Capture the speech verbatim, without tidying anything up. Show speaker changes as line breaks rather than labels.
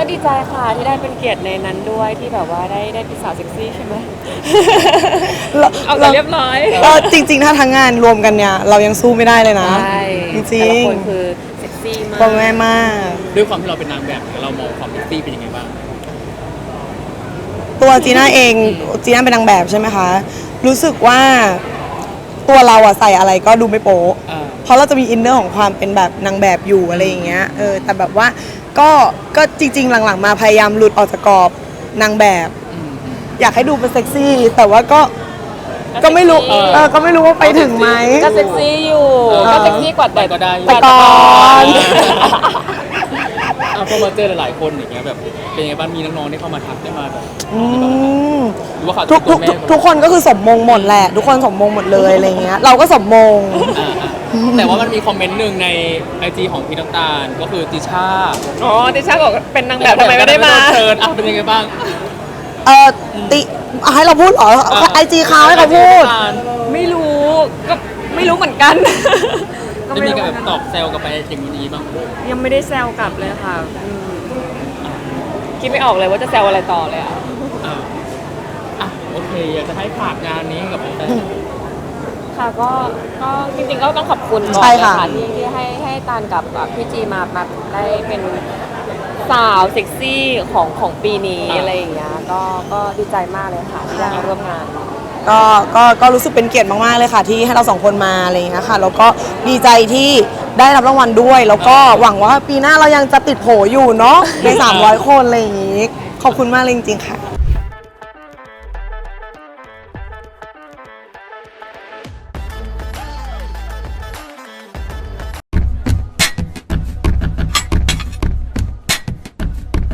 ดีใจค่ะที่ได้เป็นเกียรติในนั้นด้วยที่แบบว่าได้ได้เป็นสาวเซ็กซี่ใช่ไหมเอาแต่เรียบร้อย
ก็จริงๆถ้าทั้งงานรวมกันเนี่ยเรายังสู้ไม่ได้เลยนะ
ใช่
จริ
แต่ละ
ง
คนคือเซ็กซี่มาก
ๆบอกแม่มาก
ด้วยความที่เราเป็นนางแบบเรามองความเซ็กซี่เป็นยังไงบ้าง
ตัวจีน่าเองจีน่าเป็นนางแบบใช่ไหมคะรู้สึกว่าตัวเราอะใส่อะไรก็ดูไม่โป๊ะเพราะเราจะมีอินเนอร์ของความเป็นแบบนางแบบอยู่อะไรอย่างเงี้ยเออแต่แบบว่าก็ก็จริงๆหลังๆมาพยายามหลุดออกจากกรอบนางแบบ อยากให้ดูเป็นเซ็กซี่แต่ว่าก็ก็ไม่รู้เออก็ไม่รู้ว่าไปถึงไหม
ก็เซ็กซี่อยู่ก็เซ็กซี่กว่าแต่
ก็ได้
แต่ก่อน
พอมาเจอหลายๆคนอย่างเงี้ยแบบเป็นยังไงบ้างมีน้องๆที่เข้ามาทักได้มาแบบหรือว่าเขา
ทุกทุกทุกคนก็คือสมมงหมดแหละทุกคนสมมงหมดเลยอะไรเงี้ยเราก็สมมง
แต่ว่ามันมีคอมเมนต์หนึ่งในไอจีของพี่น้ำตาลก็คือติช่า
อ๋อติช่าบอกเป็นนางแบบทำไมไม่ได้มา
เชิญอ่ะเป็นยังไงบ้าง
เออติให้เราพูดเหรอไอจีเขาให้เขาพูด
ไม่รู้ก็ไม่รู้เหมือนกัน
จะมีการแบบตอบแซวกับไปอย่างนี้บ้าง
ยังไม่ได้แซวกลับเลยค่ะคิดไม่ออกเลยว่าจะแซวอะไรต่อเลยอ่ะ
อ่ะโอเคอยากจะให้ฝากงานนี้กับผม
ค่ะก็ก็จริงๆก็ต้องขอบคุณก่อนนะคะที่ที่ให้ให้ตานกับพี่จีมามาได้เป็นสาวเซ็กซี่ของของปีนี้อะไรอย่างเงี้ยก็ก็ดีใจมากเลยค่ะที่ได้มาร่วมงาน
ก็ก็ก็รู้สึกเป็นเกียรติมากๆเลยค่ะที่ให้เราสองคนมาอะไรอย่างเงี้ยค่ะแล้วก็ดีใจที่ได้รับรางวัลด้วยแล้วก็หวังว่าปีหน้าเรายังจะติดโผอยู่เนาะในสามร้อยคนอะไรอย่างงี้ขอบคุณมากเลยจริงๆค่ะ